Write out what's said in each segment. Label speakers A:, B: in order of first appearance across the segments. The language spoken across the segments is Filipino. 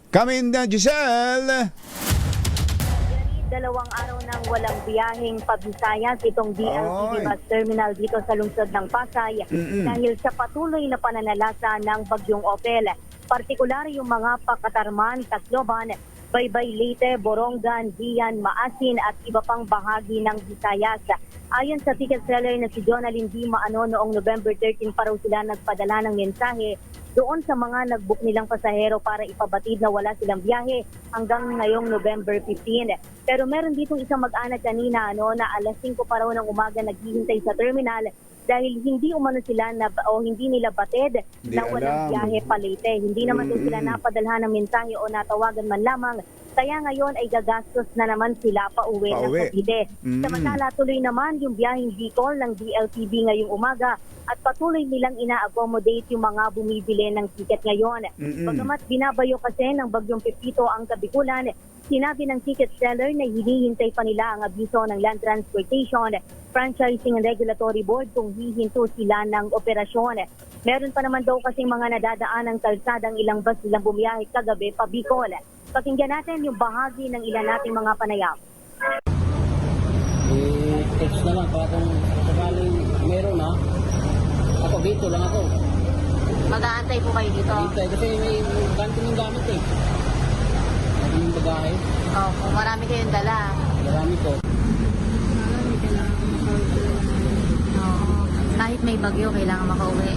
A: Come in, Giselle!
B: Dalawang araw nang walang biyaheng pabisayas itong DLTV bus terminal dito sa lungsod ng Pasay dahil sa patuloy na pananalasa ng bagyong Opel. Partikular yung mga Pakatarman, Tacloban, Baybay, Leyte, Borongan, Dian, Maasin at iba pang bahagi ng Visayas. Ayon sa ticket seller na si Jonalyn D. Maano, noong November 13 pa raw sila nagpadala ng mensahe doon sa mga nag-book nilang pasahero para ipabatid na wala silang biyahe hanggang ngayong November 15. Pero meron ditong isang mag-anak kanina na alas 5 pa raw ng umaga naghihintay sa terminal dahil hindi umano sila hindi nila batid na walang biyahe pa Leyte. Hindi naman daw sila napadalhan ng mensahe o natawagan man lamang. Kaya ngayon ay gagastos na naman sila pauwi ng Cavite. Samantala tuloy naman yung biyaheng Bicol ng DLTV ngayong umaga at patuloy nilang ina-accommodate yung mga bumibili ng ticket ngayon. Bagamat binabayo kasi ng bagyong Pepito ang Kabikulan, sinabi ng ticket seller na hinihintay pa nila ang abiso ng Land Transportation, Franchising and Regulatory Board kung hihinto sila ng operasyon. Meron pa naman daw kasing mga nadadaan ng kalsadang ilang bus nilang bumiyahe kagabi pa Bicol. Pakinggan natin yung bahagi ng ilan nating mga panayam.
C: Text na lang para kung sakaling meron na. Ako dito lang ako.
B: Mag-aantay po kayo dito?
C: Dito kasi may ganito ng gamit eh. Ano yung bagahe?
B: Opo, marami kayong dala.
C: Marami ko.
B: Oo. Kahit may bagyo, kailangan makauwi.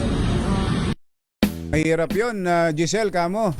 A: Mahirap yun, Giselle, kamo.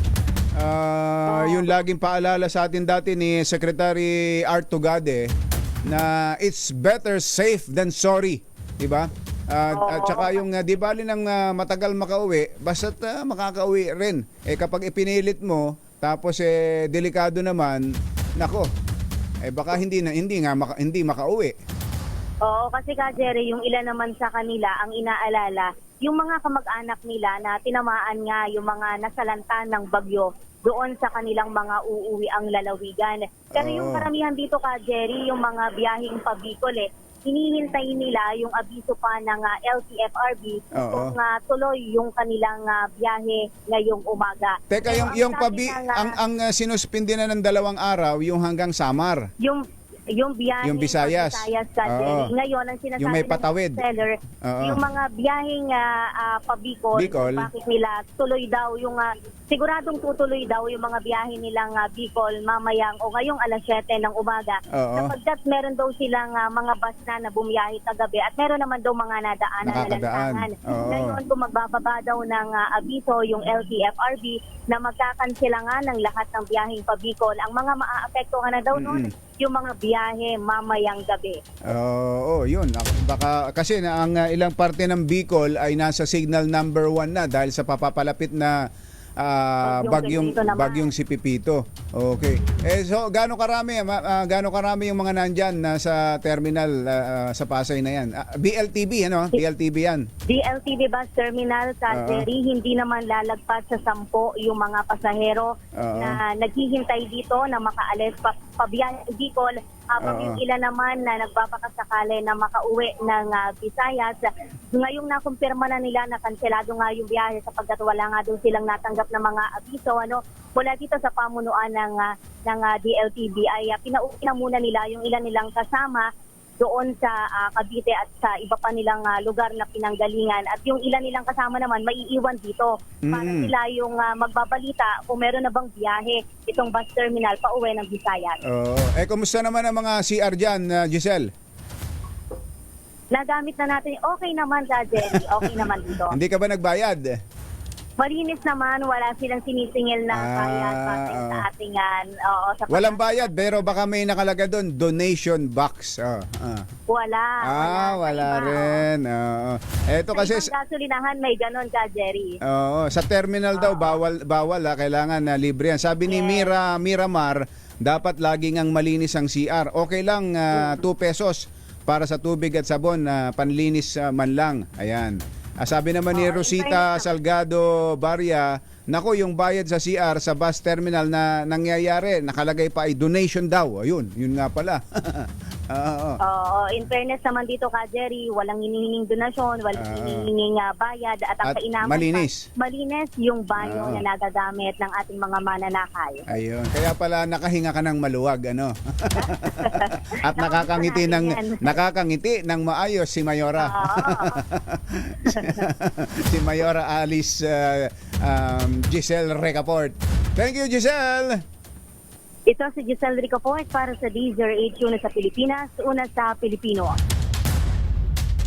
A: Yung laging paalala sa atin dati ni Secretary Art Tugade na it's better safe than sorry, di ba? At saka yung di bali ng matagal makauwi, basta't makakauwi rin. Kapag ipinilit mo, tapos delikado naman, nako, baka hindi makauwi.
B: Oo, kasi Jerry, yung ilan naman sa kanila ang inaalala, yung mga kamag-anak nila na tinamaan nga yung mga nasalanta ng bagyo doon sa kanilang mga uuwi ang lalawigan. Pero yung karamihan dito Jerry, yung mga biyaheng pa Bicol hinihintay nila yung abiso pa ng LTFRB kung tuloy yung kanilang biyahe ngayong umaga.
A: Teka, yung ang sinuspindi na ng 2 araw, yung hanggang Samar.
B: Yung biyahe
A: yung Visayas.
B: Ngayon, ang sinasabi
A: yung may patawid.
B: ng seller, yung mga biyaheng pa-Bicol, bakit nila tuloy daw yung, siguradong tutuloy daw yung mga biyahe nilang Bicol mamayang o ngayong alas 7 ng umaga. Sapagkat meron daw silang mga bus na bumiyahe kagabi at meron naman daw mga nadaanan na lansangan. Ngayon, kung magbababa daw ng abiso yung LTFRB na magkakansela nga ng lahat ng biyaheng pa-Bicol, ang mga maaapektuhan na daw noon, yung mga biyahe mamayang gabi.
A: Yun. Baka kasi ang ilang parte ng Bicol ay nasa signal number 1 na dahil sa papapalapit na bagyong si Pepito. Okay. So gaano karami yung mga nandyan sa terminal sa Pasay na yan? BLTB BLTB yan.
B: DLTV bus terminal Jerry, hindi naman lalagpas sa 10 yung mga pasahero na naghihintay dito na makaalis pabiyahe sa Bicol. Habang yung ilan naman na nagpapakasakali na makauwi ng Visayas, ngayong nakumpirma na nila na kanselado nga yung biyahe sapagkat wala nga doon silang natanggap na mga abiso mula dito sa pamunuan ng DLTV ay pinauwi na muna nila yung ilan nilang kasama doon sa Cavite at sa iba pa nilang lugar na pinanggalingan at yung ilan nilang kasama naman maiiwan dito para sila yung magbabalita kung meron na bang biyahe itong bus terminal pa uwi ng Visayas.
A: Kumusta naman ang mga CR dyan, Giselle?
B: Nagamit na natin. Okay naman Jerry, okay naman dito.
A: Hindi ka ba nagbayad?
B: Malinis naman, wala silang sinisingil na bayad sa ating
A: walang bayad, pero baka may nakalaga doon, donation box.
B: Wala
A: rin. Eto kasi
B: sa gasolinahan may ganon Jerry.
A: Sa terminal daw bawal kailangan na libre yan. Sabi ni Miramar, dapat laging ang malinis ang CR. Okay lang 2 pesos para sa tubig at sabon, panlinis man lang. Ayan. Sabi naman ni Rosita Salgado Barria, nako yung bayad sa CR sa bus terminal na nangyayari, nakalagay pa ay donation daw. Ayun, yun nga pala. Oo.
B: In fairness naman dito ka, Jerry, walang hinihinging donasyon, walang hinihinging bayad at ang
A: At
B: kainaman
A: malinis.
B: malinis yung banyo
A: Oo.
B: na nagagamit ng ating mga mananakay.
A: Ayun. Kaya pala nakahinga ka ng maluwag, ano? At nakakangiti ng maayos si Mayora. Si Mayora Alice Giselle Recaport. Thank you, Giselle.
B: Ito si Giselle Ricaport para sa D08 una sa Pilipinas, una sa Pilipino.